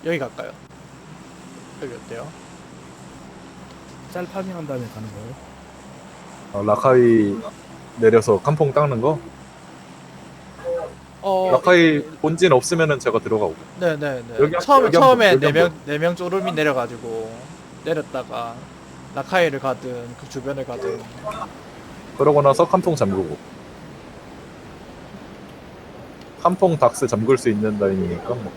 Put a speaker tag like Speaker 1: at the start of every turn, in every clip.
Speaker 1: 여기 갈까요? 여기 어때요?
Speaker 2: 짤 파밍한 다음에 가는 거예요?
Speaker 3: 라카이 내려서 칸퐁 닦는 거? 라카이 본진 없으면은 제가 들어가고.
Speaker 1: 네네네.
Speaker 3: 여기
Speaker 1: 처음에
Speaker 3: 여기 한 번.
Speaker 1: 네 명 쪼르미 내려가지고 내렸다가 라카이를 가든 그 주변을 가든.
Speaker 3: 그러고 나서 칸퐁 잠그고. 칸퐁 닥스 잠글 수 있는 라인이니까 뭐.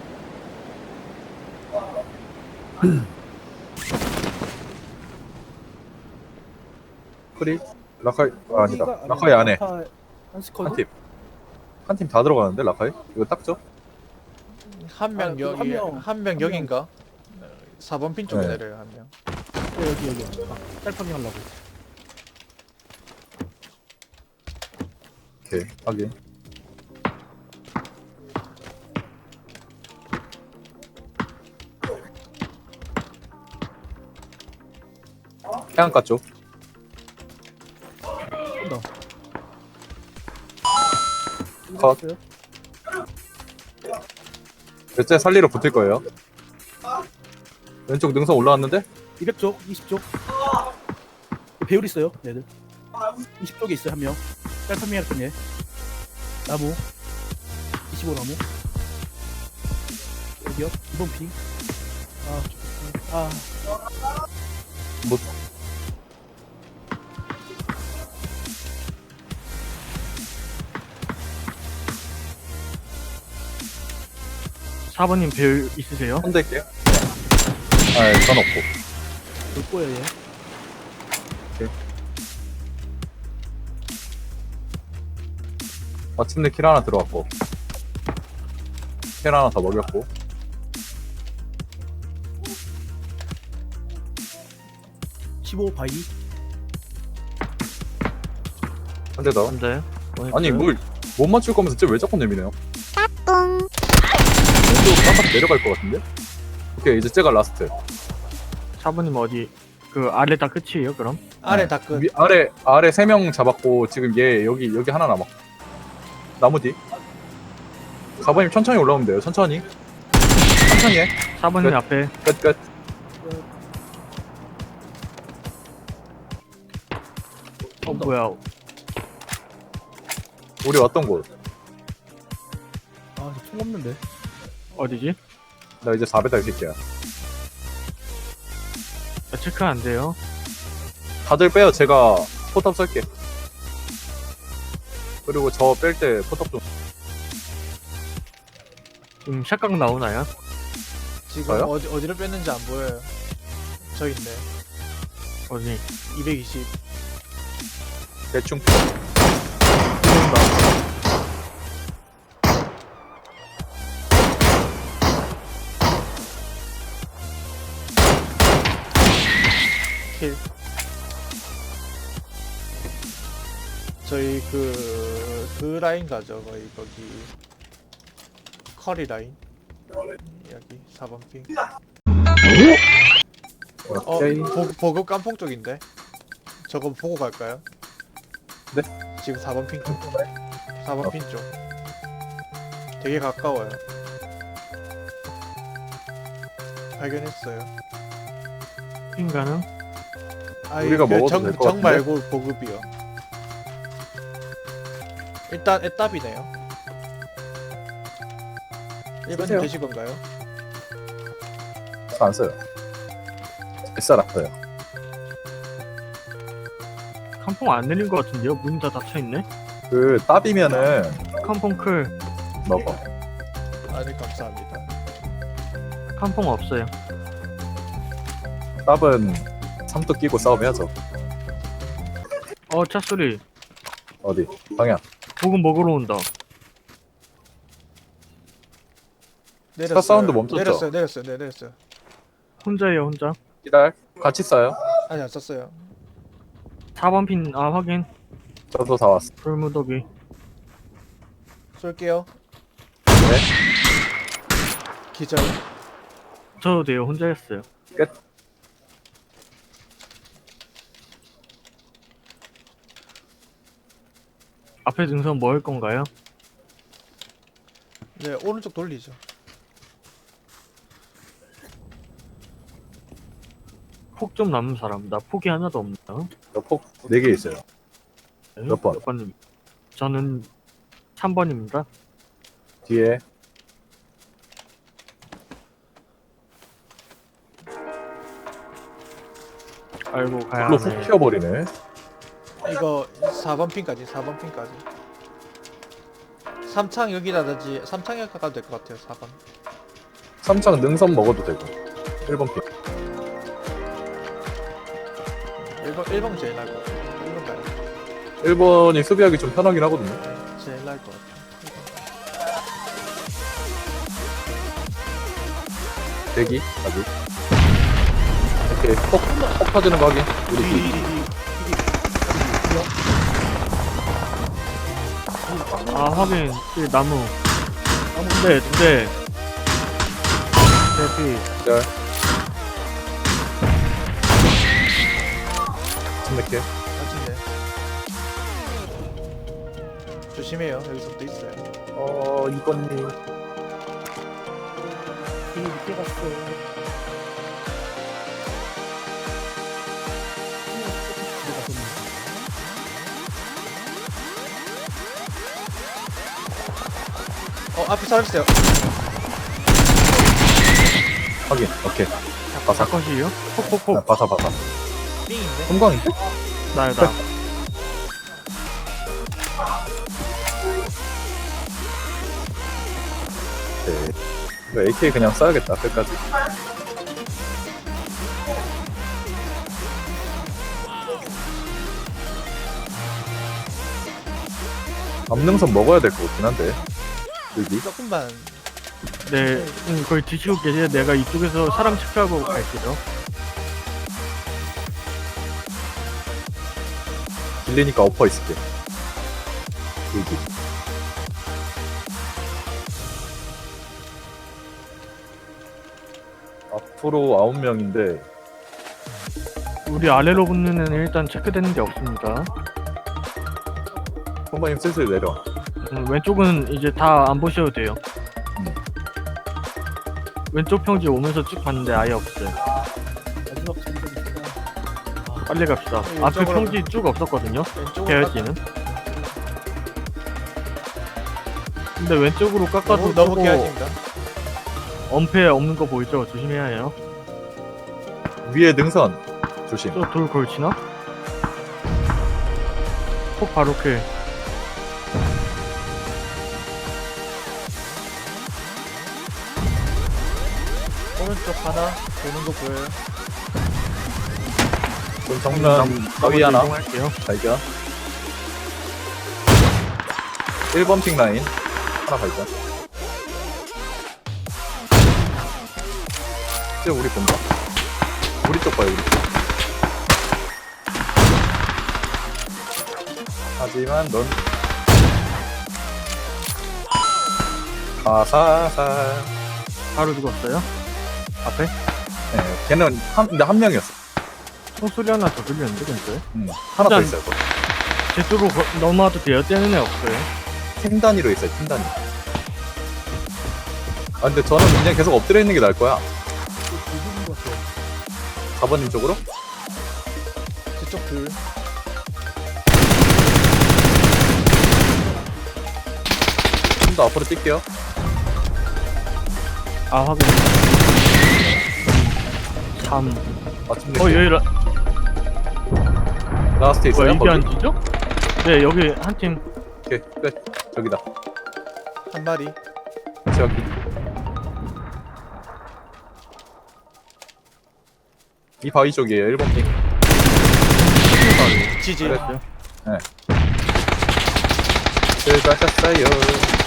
Speaker 3: 크리? 라카이 아니다. 라카이 안에
Speaker 2: 한 스쿼드?
Speaker 3: 한 팀. 한 팀 다 들어가는데 라카이? 이거 딱죠?
Speaker 1: 한 명
Speaker 2: 아,
Speaker 1: 여기,
Speaker 2: 한
Speaker 1: 한 명
Speaker 2: 명.
Speaker 1: 여긴가? 4번 핀 쪽에
Speaker 3: 네.
Speaker 1: 내려요, 한 명.
Speaker 2: 네, 여기 짤 파밍하려고.
Speaker 3: 오케이 확인. 해안가 쪽.
Speaker 2: 온다.
Speaker 3: 컷. 대체 살리러 붙을 거예요. 왼쪽 능선 올라왔는데?
Speaker 2: 200쪽, 20쪽. 배율 있어요, 얘들. 20쪽에 있어요, 한 명. 짤 파밍할 거네. 나무. 25나무. 여기요, 2번 핑. 아,
Speaker 3: 뭐
Speaker 4: 4번님 배율 있으세요?
Speaker 3: 손댈게요. 전 없고.
Speaker 2: 볼 거예요, 얘.
Speaker 3: 마침내 킬 하나 들어왔고. 킬 하나 더 먹였고.
Speaker 2: (15) 바이.
Speaker 3: 한 대 더.
Speaker 4: 혼자요?
Speaker 3: 아니 뭘 못 맞출 거면서 쟤왜 자꾸 내미네요? 왼쪽 깜빡 내려갈 것 같은데? 오케이 이제 쟤가 라스트.
Speaker 4: 4번님 어디 그 아래 다 끝이에요 그럼?
Speaker 1: 아래 다 끝.
Speaker 3: 아래 3명 잡았고 지금 얘 여기 하나 남았. 나무 뒤. 4번님 천천히 올라오면 돼요. 천천히 해.
Speaker 4: 4번님
Speaker 3: 끝.
Speaker 4: 앞에
Speaker 3: 끝.
Speaker 4: 뭐야
Speaker 3: 우리 왔던 곳.
Speaker 2: 아, 총 없는데.
Speaker 4: 어디지?
Speaker 3: 나 이제 4배달 새끼야.
Speaker 4: 체크 안 돼요.
Speaker 3: 다들 빼요. 제가 포탑 쏠게. 그리고 저 뺄 때 포탑 좀.
Speaker 4: 지금 샷각 나오나요?
Speaker 1: 지금
Speaker 3: 저요?
Speaker 1: 어디로 뺐는지 안 보여요. 저 있네.
Speaker 4: 어디?
Speaker 1: 220.
Speaker 3: 대충.
Speaker 1: 킬. 저희 그 라인 가죠. 거기 커리 라인. 여기 4번 핑.
Speaker 3: 오케이.
Speaker 1: 보급 깜풍 쪽인데. 저거 보고 갈까요?
Speaker 3: 네.
Speaker 1: 지금 4번 핑 쪽. 4번 핑 쪽. 되게 가까워요. 발견했어요.
Speaker 4: 핑 가능?
Speaker 3: 우리가 먹어도 될것
Speaker 1: 정
Speaker 3: 같은데?
Speaker 1: 말고 보급이요. 일단 애답이네요. 일반님
Speaker 3: 쓰세요.
Speaker 1: 되실 건가요?
Speaker 3: 안 써요. 뱃살 아파요.
Speaker 4: 칸퐁 안 내린 것 같은데요? 문 다 닫혀있네?
Speaker 3: 그 따비면은
Speaker 4: 칸퐁 클
Speaker 3: 먹어.
Speaker 1: 아, 네, 감사합니다.
Speaker 4: 칸퐁 없어요.
Speaker 3: 따은 삼뚝 끼고 싸움해야죠.
Speaker 4: 차 소리.
Speaker 3: 어디? 방향.
Speaker 4: 보급 먹으러 온다.
Speaker 1: 내렸어요.
Speaker 3: 사운드 멈췄죠?
Speaker 1: 내렸어요. 네, 내렸어요.
Speaker 4: 혼자예요 혼자.
Speaker 3: 기다려. 같이 싸요.
Speaker 1: 아니, 안 썼어요.
Speaker 4: 4번 핀 확인.
Speaker 3: 저도 다 왔어.
Speaker 4: 불무더기.
Speaker 1: 쏠게요.
Speaker 3: 네.
Speaker 1: 기절.
Speaker 4: 저도 돼요 혼자였어요.
Speaker 3: 끝.
Speaker 4: 앞에 능선 뭐 할 건가요?
Speaker 1: 네, 오른쪽 돌리죠.
Speaker 4: 폭 좀 남은 사람. 나 폭이 하나도 없나?
Speaker 3: 저폭 4개 있어요. 몇 번?
Speaker 4: 몇 번님? 저는 3번입니다.
Speaker 3: 뒤에
Speaker 4: 알고 가야
Speaker 3: 불로 훅
Speaker 4: 하네.
Speaker 3: 튀어버리네.
Speaker 1: 이거 4번 핀까지 4번 핀까지 3창 여기라든지 3창에 가도 될 것 같아요. 4번
Speaker 3: 3창 능선 먹어도 되고 1번 픽.
Speaker 1: 1번 제일 나을 것 같아요. 1번 가요.
Speaker 3: 1번이 수비하기 좀 편하긴 하거든요.
Speaker 1: 제일 나을 것 같아요.
Speaker 3: 대기 아직. 오케이 폭 터지는 거 확인. 우리 뒤.
Speaker 4: 아 하긴 그 나무. 네, 네. 대피.
Speaker 3: 자. 침맥해.
Speaker 1: 같은데 조심해요. 여기서부터 있어요.
Speaker 3: 2번님.
Speaker 2: 되게 늦게 갔어.
Speaker 1: 앞에 사람 있어요.
Speaker 3: 확인. 오케이. 바사.
Speaker 4: 사컷이에요? 폭폭폭.
Speaker 3: 바사.
Speaker 1: 삥인데?
Speaker 3: 섬광인데?
Speaker 4: 나야.
Speaker 3: 네. 이거 AK 그냥 써야겠다. 끝까지. 앞능선 먹어야 될 것 같긴 한데. 여기.
Speaker 1: 조금만
Speaker 4: 네, 거의 드시고 계세요. 내가 이쪽에서 사람 체크하고 갈게요.
Speaker 3: 길리니까 엎어 있을게. 여기. 앞으로 9명인데
Speaker 4: 우리 아래로 붙는 애는 일단 체크되는 게 없습니다.
Speaker 3: 선배님 슬슬 내려.
Speaker 4: 왼쪽은 이제 다 안 보셔도 돼요.
Speaker 3: 음.
Speaker 4: 왼쪽 평지 오면서 쭉 봤는데 아예 없어요.
Speaker 2: 마지막 장면 있다.
Speaker 4: 빨리 갑시다.
Speaker 1: 네,
Speaker 4: 앞에
Speaker 1: 왼쪽으로
Speaker 4: 평지 쭉 없었거든요.
Speaker 1: 왼쪽으로
Speaker 4: 계열지는. 근데 왼쪽으로 깎아도
Speaker 1: 너무
Speaker 4: 저거
Speaker 1: 개하십니다.
Speaker 4: 엄폐 없는 거 보이죠? 조심해야 해요.
Speaker 3: 위에 능선 조심.
Speaker 4: 저 돌 걸치나? 폭 바로 킬.
Speaker 1: 오른쪽 하나 도는 거 보여요.
Speaker 3: 좀 정면 가위 하나
Speaker 4: 이동할게요.
Speaker 3: 발견. 1번 픽 라인 하나 발견. 이제 우리 본다. 우리 쪽 봐요, 우리 쪽. 하지만 넌 사사사.
Speaker 4: 바로 죽었어요. 앞에
Speaker 3: 네, 걔는 근데 한 명이었어.
Speaker 4: 총소리 하나 더 들렸는데 근데
Speaker 3: 하나 더
Speaker 4: 일단-
Speaker 3: 있어요. 거기.
Speaker 4: 제 쪽으로 넘어와도 돼요. 떼는 애 없어요.
Speaker 3: 팀 단위로 있어요, 팀 단위. 아 근데 저는 그냥 계속 엎드려 있는 게 나을 거야.
Speaker 2: 두분 같아.
Speaker 3: 4번님 쪽으로?
Speaker 1: 저쪽 둘.
Speaker 3: 좀 더 앞으로 뛸게요.
Speaker 4: 아 확인. 3.
Speaker 3: 마침
Speaker 4: 여기
Speaker 3: 라스트 있어요?
Speaker 4: 이게
Speaker 3: 거기?
Speaker 4: 안 지죠? 네 여기 한 팀.
Speaker 3: 오케이 끝. 저기다.
Speaker 1: 한 마리.
Speaker 3: 저기. 이 바위 쪽이에요. 1번 핑.
Speaker 1: 지지.
Speaker 3: 그랬어요. 수고하셨어요.